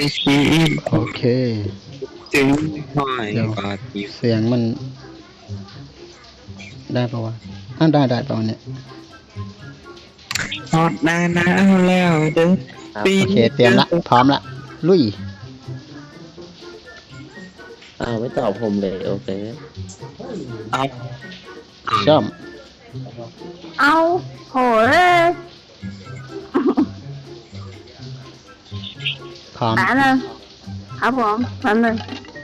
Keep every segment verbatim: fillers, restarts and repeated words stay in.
ชีพโอเคจึงหอยเดี๋ยวปาฏิเสียงมัน ได้ปะวะอ่าได้ได้ปะวะเนี่ยฮอดหน้าหนาวแล้วเด้อปีโอเค เตรียมละ พร้อมละ ลุยอ้าวไม่ตอบผมเลยโอเคเอาช่อมเอาโหเลยพร้อมแป๊บนึงครับผมแป๊บนึง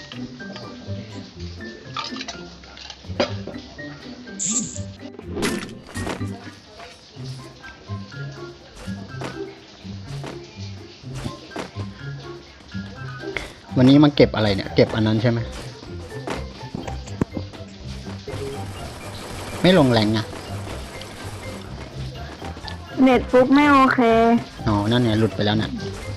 วันนี้มาเก็บอะไรเนี่ย เก็บอันนั้นใช่ไหม ไม่ลงแรงอะเน็ตฟุกไม่โอเคอ๋อ นั่นไงหลุดไปแล้วน่ะ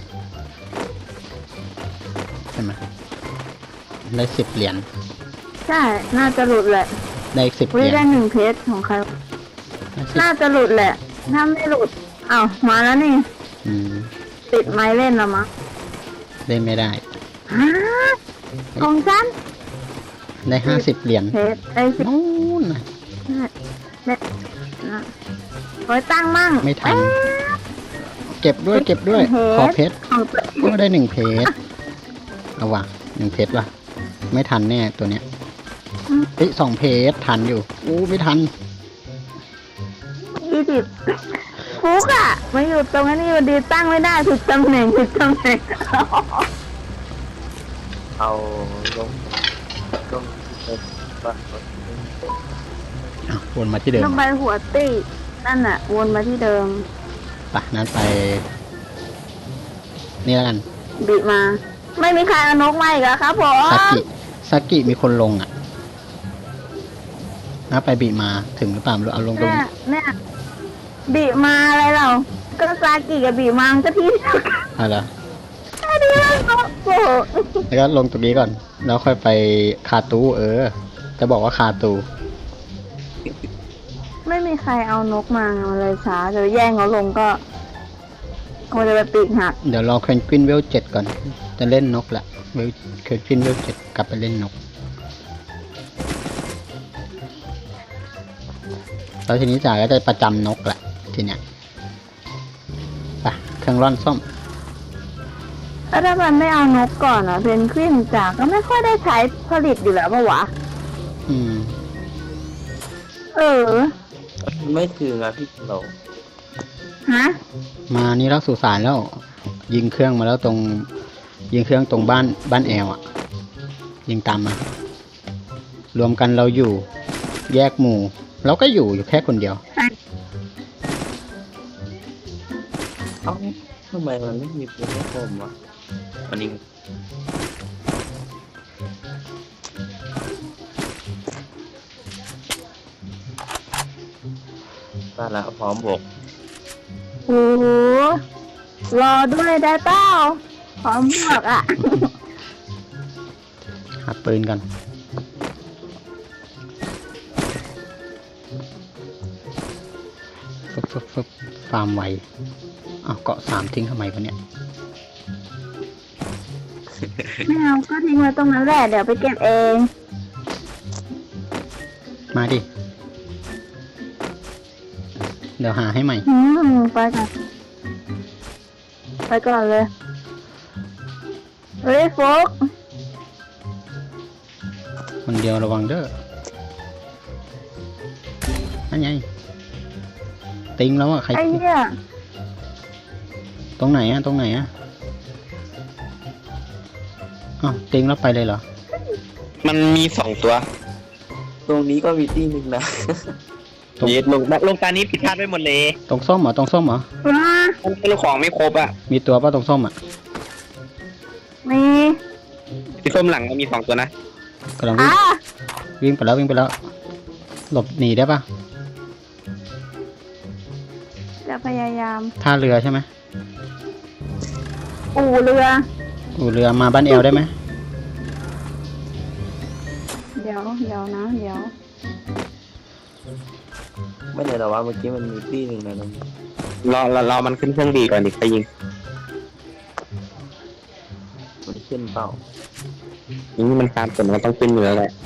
ใช่ไหมได้สิบเหรียญใช่ น่าจะหลุดแหละได้อีกสิบเหวิรียญได้หนึ่งเพจของใครได้สิบน่าจะหลุดแหละ ถ้าไม่หลุดอ้าวมาแล้วนี่อืมติดไม้เล่นแล้วมั้งได้ไม่ได้ฮะของฉันได้ห้าสิบเหรียญเพจไอ้สิบนู้นน่ะเนี่ยนะโอ้ยตั้งมั่งไม่ทันเอ๊ะเก็บด้วย เก็บด้วย ขอเพชรของตัวเองก็ได้หนึ่งเพชรเอาว่ะหนึ่งเพชรว่ะ ไม่ทันแน่ตัวเนี้ยเฮ้ยสองเพชรทันอยู่อู้ไม่ทันยี่สิบฟุกอะมาอยู่ตรงนี้วันดีตั้งไม่ได้ผิดตำแหน่งผิดตำแหน่งเอาลงลงบ้านอ่ะวนมาที่เดิมลงไปหัวตี้นั่นน่ะ วนมาที่เดิมไปนั้นไป นี่แล้วกันบิมา ไม่มีใครเอานกมาอีกแล้วครับผมซากิซากิมีคนลงอ่ะนะไปบีมาถึงหรือเปล่าไม่รู้เอาลงตรงเนี่ยเนี่ยบิมาอะไรเราก็ซากิกับบิมามันก็ที่เดียวกันอะไรแค่นี้ก็โอ้โหแล้วก็ลงตรงนี้ก่อน แล้วค่อยไปคาตูเออ จะบอกว่าคาตูไม่มีใครเอานกมามันเลยช้าเดี๋ยวแย่งเขาลงก็มันจะไปปีกหักเดี๋ยวรอเควนกวินเวลเจ็ดก่อน จะเล่นนกแหละเวลเควนกวินเวลเจ็ดกลับไปเล่นนก แล้วทีนี้จ่าก็จะประจำนกแหละทีเนี้ยไปเครื่องร่อนส้มแล้วถ้ามันไม่เอานกก่อนอ่ะเพนกวินจากก็ไม่ค่อยได้ใช้ผลิตอยู่แล้วปะวะอืมเออไม่ถึงอ่ะพี่เราฮะมานี่รักสุสานแล้ว ยิงเครื่องมาแล้วตรง ยิงเครื่องตรงบ้านบ้านแอลอ่ะ ยิงตามมา รวมกันเราอยู่ แยกหมู่ เราก็อยู่อยู่แค่คนเดียวเอ้าทำไมมันไม่มีปืนให้ผมวะวันนี้มาแล้วพร้อมบกโอ้โหรอด้วยได้เปล่าพร้อมบวกอ่ะหาปืนกันฟึบฟึบฟึบฟาร์มไวอ้าวเกาะสามทิ้งทำไมวะเนี่ยไม่เอาก็ทิ้งไว้ตรงนั้นแหละเดี๋ยวไปเก็บเองมาดิ เดี๋ยวหาให้ใหม่อืมไปก่อนไปก่อนเลยเฮ้ยโฟกคนเดียวระวังเด้อนั่นไงติงแล้วอ่ะใครไอ้เนี่ยตรงไหนอ่ะ ตรงไหนอ่ะอ้าวติงแล้วไปเลยเหรอมันมีสองตัวตรงนี้ก็มีที่หนึ่งนะตรงเย็ดลงลงตานี้ผิดพลาดไปหมดเลยตรงส้มเหรอ ตรงส้มเหรอว้าลูกของไม่ครบอ่ะมีตัวป่ะตรงส้มอ่ะมีที่ส้มหลังมันมีสองตัวนะกำลังวิ่งอ่ะวิ่งไปแล้ววิ่งไปแล้ว หลบหนีได้ป่ะจะพยายามท่าเรือใช่ไหมอู่เรืออู่เรือมาบ้านเอลได้ไหมเดี๋ยวเดี๋ยวนะ เดี๋ยวไม่เลยหรอว่าเมื่อกี้มันมีที่หนึ่งนะน้องรอรอรอมันขึ้นเครื่องดีก่อนดิไปยิงมันขึ้นเปล่านี่มันการผลมันต้องเป็นเหนือแหละ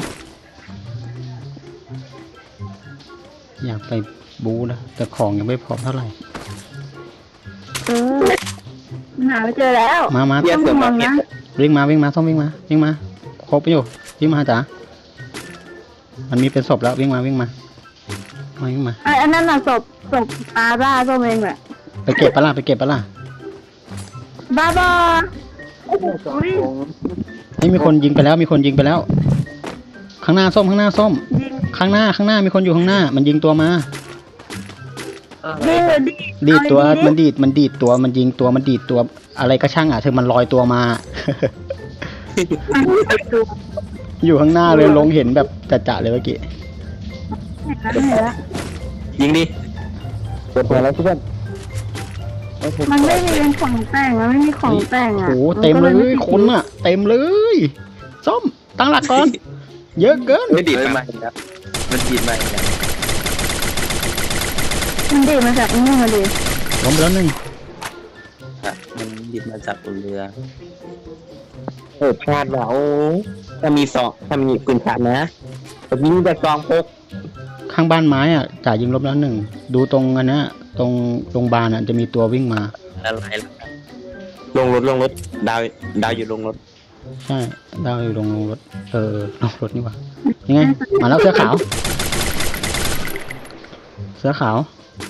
อยากไปบูนะแต่ของยังไม่พร้อมเท่าไหร่เออหาไม่เจอแล้วมามาเยี่ยต้องเสือมมาองเก็นะบวิ่งมาวิ่งมาส้มวิ่งมาวิ่งมาครบไปอยู่วิ่งมาจ๋ามันมีเป็นศพแล้ววิ่งมาวิ่งมามาวิ่งมาไอ้อันนั้นน่ะศพศพปลาบ้าส้มเองแหละไปเก็บปะล่ะไปเก็บปะล่ะบ้าบอสองคงเฮ้ยมีคนยิงไปแล้วมีคนยิงไปแล้ว ข้างหน้าส้มข้างหน้าส้มยิงข้างหน้าข้างหน้ามีคนอยู่ข้างหน้า มันยิงตัวมาอะไรยิงเลยดิดีดตัวเอามันดิดีดมันดีดตัวมันยิงตัวมันดีดตัวอะไรก็ช่างอ่ะเธอมันลอยตัวมาดูอยู่ข้างหน้าเลยลงเห็นแบบจะๆเลยเมื่อกี้เห็นแล้วยิงดิเปิดเผยแล้วเพื่อนมันไม่มีเป็นของแต่งมันไม่มีของแต่งอ่ะโอ้โหเต็มเลยคนอ่ะ เต็มเลยส้มตั้งหลักก่อน เยอะเกินไม่ดีเฮ้ยมามาอีกแล้วมันดีดมาอีกแล้วมันดีมาจากนี่มาดิล้มไปแล้วหนึ่งอ่ะมันดีดมาจากบนเรือเออพลาดว่ะโอ้ถ้ามีสองถ้ามีปืนขาดนะแต่ยิงแต่ซองพกข้างบ้านไม้อ่ะจ่ายิงล้มแล้วหนึ่งดูตรงอันเนี้ยตรงโรงพยาบาลอ่ะจะมีตัววิ่งมาอะไรล่ะลงรถลงรถดาวดาวอยู่ลงรถใช่ดาวอยู่ลงรถเออลงรถนี่หว่ายังไงมาแล้วเสื้อขาว เสื้อขาว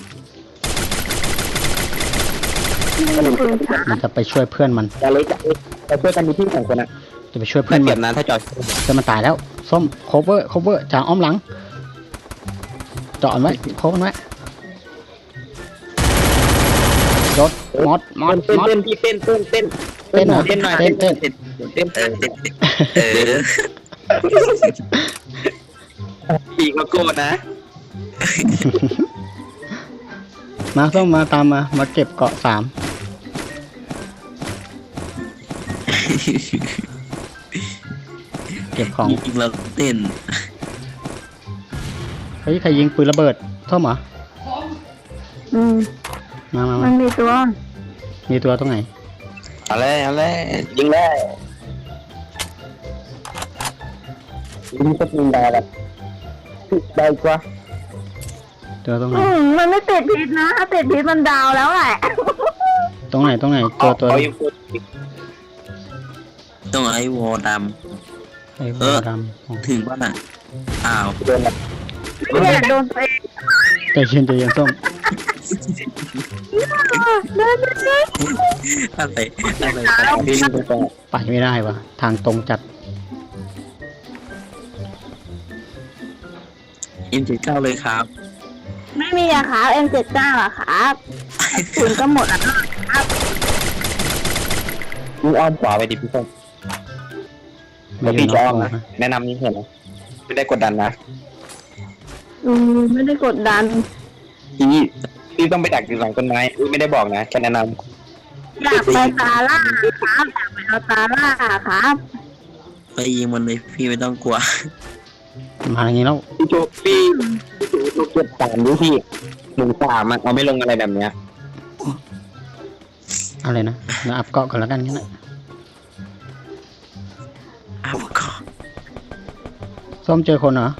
ไม่มีปืนฉามันจะไปช่วยเพื่อนมันจะเล็กจะเล็กจะช่วยกันมีที่สองคนอ่ะจะไปช่วยเพื่เพื่ออน นเปมัรียนบนะถ้าจอดเพื่อนมันตายแล้วส้ม cover cover จ่าอ้อมหลังจอดไว้โคมันไว้รถมอดมอดเต้นมอดเต้นพี่เต้นเต้นเต้นเต้นเหรอเต้นหน่อยเต้นเต้นเต้นเต้นเออเด็กๆเออปีกก็โก้นะมาส้มมาตามมา มาเก็บเกาะสามเก็บของจริงๆเราเต้นเฮ้ยใครยิงปืนระเบิดส้มเหรออืมมามามัมานมีตัวมีตัวตรงไหนเอาเลยเอาเลยยิงเลยยิงสักยิงได้แบบได้กว่าตัวตรงไหนอืมมันไม่ติดพิษนะถ้าติดพิษมันดาวแล้วแหละตรงไหนตรงไหนตัวตัวเขายิงปืนต้องไอ้วอลดไอ้เอหัวอดำอ๋อำถึงป่ะน่ะอ้าวโดนแบบเนี่ยโดนตัวเองใจเย็นใจเย็นส้มเดินไปสิอะไรอะไรยิงไปก่อนไปไม่ได้วะทางตรงจัดเอ็มเจ็ดเก้าเลยครับไม่มีอะครับเอ็มเจ็ดเก้าอะครับถึงก็หมดอะครับยิงอ้อมขวาไปดิพี่ส้มไม่แล้วยืพี่นจะล็อ้ออก มโมนะนะแนะนำนี้เห็นไหมไม่ได้กดดันนะอืมไม่ได้กดดันพี่พี่ต้องไปดักอยู่หลังต้นไม้อุ๊ยไม่ได้บอกนะแค่แนะนอยากไปตาล่าครับอยากไปเอาตาล่าครับไปยิงมันเลยพี่ไม่ต้องกลัวมาอย่างนี้แล้วำพี่โจพี่พี่โจโจเก็บสามดูพี่หนึ่งสามอะเอาไม่ลงอะไรแบบเนี้ยอะไรนะเดี๋ยวอัพเกาะก่อนแล้วกันงั้นนะอ้าวก็ส้มเจอคนเหรอ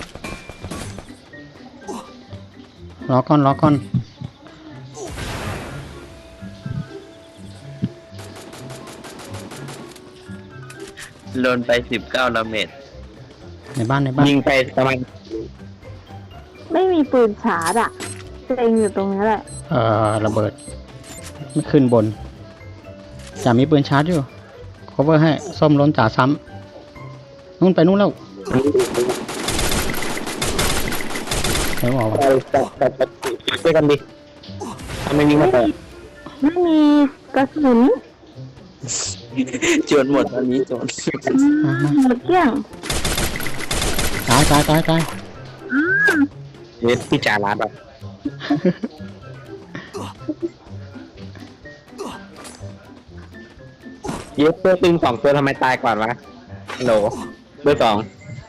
รอก่อนรอก่อนโดนไปสิบเก้าดาเมจในบ้านในบ้านยิงไปประมาณไม่มีปืนชาร์จอะเองอยู่ตรงนี้แหละเอ่อระเบิดไม่ขึ้นบนจ่ามีปืนชาร์จอยู่ cover ให้ส้มล้นจ่าซ้ำนู่นไปนู่นแล้วไม่บอกว่าไปแต่แต่แต่ช่วยกันดิทำไมยิงมาเปิดไม่มีกระสุนจนหมดตอนนี้จนอืมหมดเกลี้ยงตายตายตายตายเยสพี่จ่าร้านแบบเยสเบอร์ตึงสองตัวทำไมตายก่อนวะฮัลโหลเบอร์สอง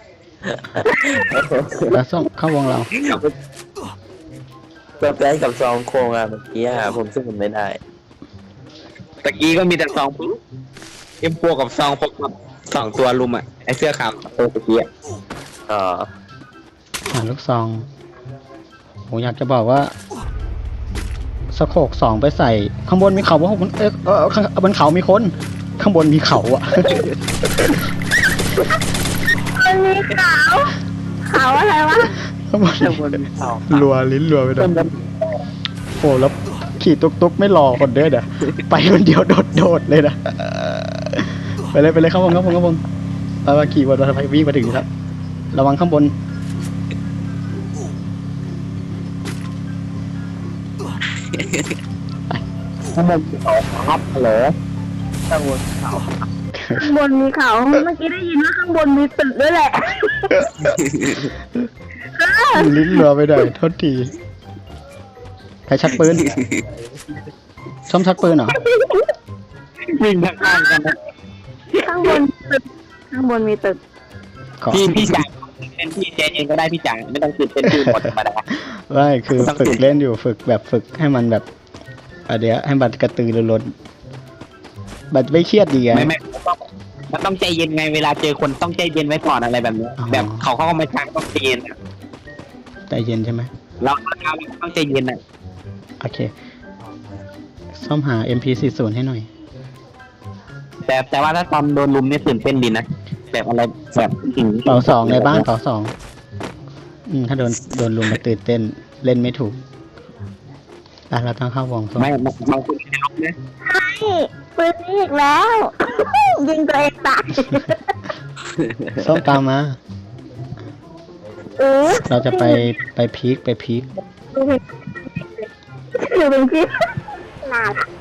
แล้วส้มเข้าวงเราก็ได้กับซองโครงอะเมื่อกี้อะผมซึ่งผมไม่ได้ตะกี้ก็มีแต่สองปุ๊บเอ็มพวกกับซองพวกกับสองตัวลุมอ่ะไอเสื้อขาวตัวเมื่อกี้อะเออหาลูกซองผมอยากจะบอกว่าสโคกสองไปใส่ข้างบนมีเขาว่าเอ๊ะเออข้างบนเขามีคน ข้างบนมีเขาอะมันมีขาวขาวอะไรวะข้างบนข้างบนมีเขารัวลิ้นรัวไปหน่อยโอ้แล้วขี่ตุกตุกไม่รอคนเด้อเด้อไปคนเดียวโดดโดดเลยนะไปเลยไปเลยข้างบนข้างบนข้างบนไปมาขี่บนรถไฟวิ่งมาถึงแล้วระวังข้างบนข้างบนเขาครับเหรอข้างบนเขาข้างบนมีเขาเมื่อกี้ได้ยินว่าข้างบนมีตึกด้วยแหละลิ้นรัวไปหน่อยโทษทีใครชักปืนชอมชักปืนเหรอวิ่งทางข้างกันนะข้างบนตึกข้างบนมีตึกขอพี่พี่จ่ายเป็นพี่เจนเองก็ได้พี่จ่ายไม่ต้องตื่นเต้นพี่หมดธรรมดาไม่คือฝึกเล่นอยู่ฝึกแบบฝึกให้มันแบบอะเดี๋ยวให้มันกระตือรือร้นแบบไม่เครียดดีไงไม่ไม่ต้องมันต้องใจเย็นไงเวลาเจอคนต้องใจเย็นไว้ก่อนอะไรแบบนี้อ๋อแบบเขาเข้ามาช้างต้องใจเย็นอะใจเย็นใช่ไหมเราเราต้องใจเย็นอ่ะโอเคซ่อมหา เอ็ม พี สี่สิบ ให้หน่อยแต่แต่ว่าถ้าตอนโดนลุมเนี่ยตื่นเต้นดีนะแบบอะไรแบบถึงเป่าสองในบ้านเป่าสองอืมถ้าโดนโดนลุมมาตื่นเต้นเล่นไม่ถูกอ่ะเราต้องเข้าวงส้มไม่บางบางคนจะลุกนะนี่ปืนนี้อีกแล้ว ยิงตัวเองตายส้มตามมาเออเราจะไปไปพีคไปพีคดูเป็นดูเป็นพี่น่ารัก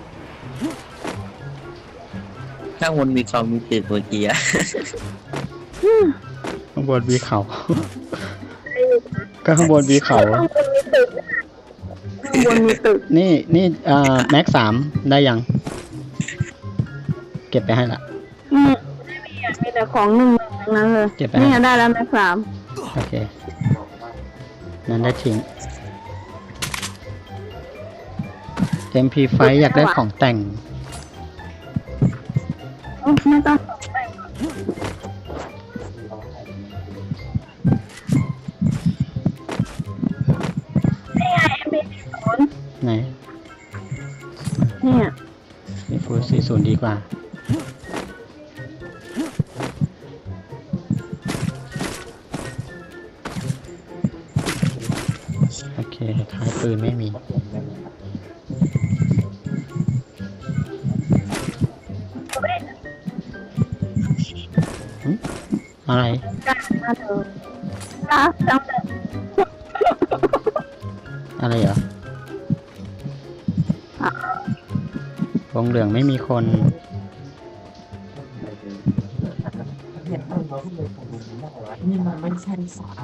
ข้างบนมีเขามีตึกเมื่อกี้อะข้างบนมีเขา ก็ข้างบนมีเขาข้างบนมีตึกข้างบนมีตึกนี่นี่อ่าแม็กสามได้ยัง เก็บไปให้ละอืมไม่มีอ่ะมีแต่ของหนึ่งทั้งนั้นเลยเก็บไปนี่ให้ได้แล้วแม็กสามโอเค นั้นได้ทิ้ง เอ็ม พี ไฟว์ อยากได้ของแต่งโอ้ไม่ต้องนี่ไงเอ็มพีศูนย์ไหนเนี่ยมีฟูสี่ศูนย์ดีกว่า โอเคท้ายปืนไม่มี หึอะไรจ้ามาเถอะจ้าจังเลยอะไรเหรอ วงเหลืองไม่มีคนนี่มันไม่ใช่สาม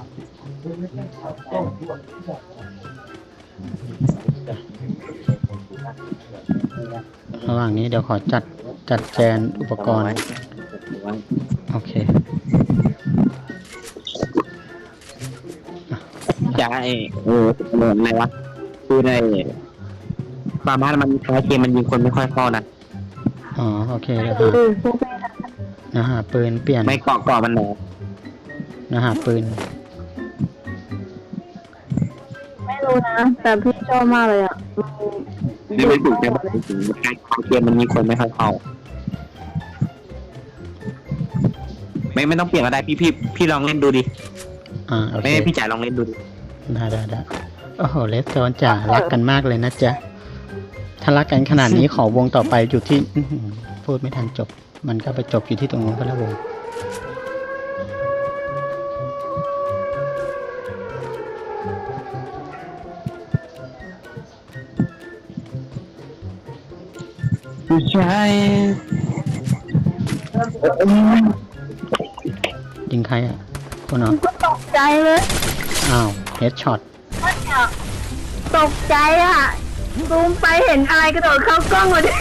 ระหว่างนี้เดี๋ยวขอจัดจัดแจนอุปกรณ์ โอเคจะไอ้เออเหมือนอะไรวะคือในฟาร์มามันท้ายเกมมันยิงคนไม่ค่อยเข้านะอ๋อ โอเคเดี๋ยวเอหาอพวกแม่เดี๋ยวหาปืนเปลี่ยนไม่เกาะเกาะมันหนอเดี๋ยวหาปืนไม่รู้นะ แต่พี่ชอบมากเลยอ่ะไม่ไม่ถูกนะท้ายเกมมันมีคนไม่ค่อยเข้าไม่ไม่ต้องเปลี่ยนก็ได้พี่พี่พี่ลองเล่นดูดิอ่า โอเคไม่พี่จ่ายลองเล่นดูดิได้ได้ได้โอ้โห เลสโตนจ๋ารักกันมากเลยนะจ๊ะ ถ้ารักกันขนาดนี้ขอวงต่อไปอยู่ที่อื้อหือพูดไม่ทันจบ มันก็ไปจบอยู่ที่ตรงนู้นก็แล้ววงผู้ชายยิงใครอ่ะ คนเหรอก็ตกใจเลยอ้าว เฮดช็อตตกใจอ่ะซูมไปเห็นอะไรกระโดดเข้ากล้องมาดิ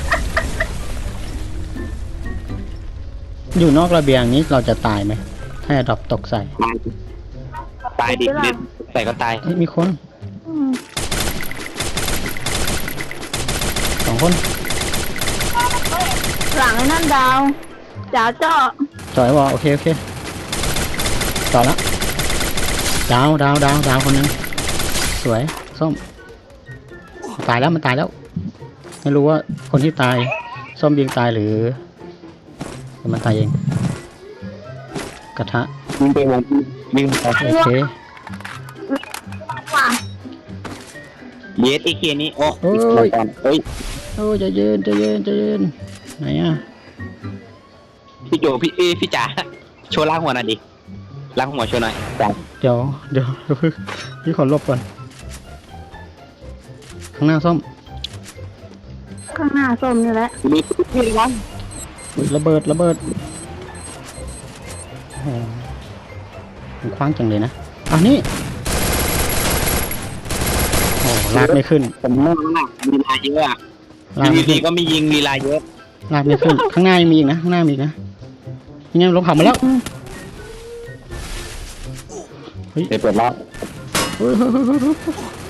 อยู่นอกระเบียงนี้เราจะตายไหม ถ้าดรอปตกใส่ตายตายดิเล่นใส่ก็ตายเฮ้ยมีคนอืมสองคนไหลังไอ้นั่นดาวจ๋าเจาะจอยวอโอเคโอเคต่อแล้วดาวดาวดาวดาวคนนึงสวยส้มตายแล้วมันตายแล้ว ไม่รู้ว่าคนที่ตายส้มยิงตายหรือหรือมันตายเองกระทะยิงไปวงยิงไปโอเคว่ะเยสไอเคนี้โอ้โอ้ยก่อนเฮ้ยโอ้ยใจะเย็นใจะเย็นใจะเย็นไหนอ่ะพี่โจพี่เอยพี่จ๋าโชว์ล้างหัวหน่อยดิล้างหัวโชว์หน่อยจ๋าเดี๋ยวเดี๋ยวเดี๋ยวเพิ่งพี่ขอลบก่อนข้างหน้าส้มข้างหน้าส้มนี่แหละมีพี่ร้อนอุ๊ยระเบิดระเบิดโอ้โหมันคว้างจังเลยนะอ่ะนี่โอ้ลากไม่ขึ้นผมเล่นมากลีลาเยอะอะลากอไม่ยู่ขึ้ดีนๆก็มียิงลีลาเยอะลากไม่ขึ้น ข้างหน้ายังมีอีกนะข้างหน้ามีอีกนะยังไงลงเขามาแล้วเฮ้ยเดี๋ยวเปิดล้อเฮ้ยเฮ้ยเฮ้ยเฮ้ยเฮ้ย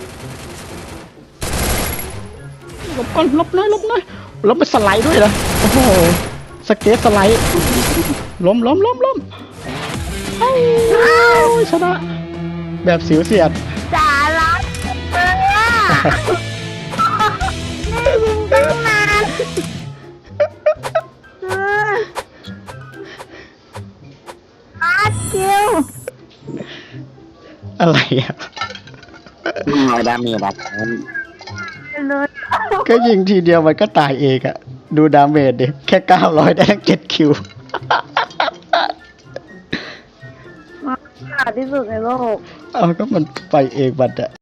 หลบก่อนหลบหน่อยหลบหน่อยแล้วไปสไลด์ด้วยเหรอโอ้โหสเก็ตสไลด์ล้มล้มล้มล้มเอ้าชนะแบบสิวเสียดจ๋ารักเออนี่ยิงตั้งนานเอออาร์คิวอะไรอ่ะยิงลอยดาเมจแบบเลยก็ยิงทีเดียวมันก็ตายเองอะดูดาเมจดิแค่เก้าร้อยได้ตั้งเจ็ดคิวมาขาดที่สุดในโลกเอาก็มันไปเองบัดอะ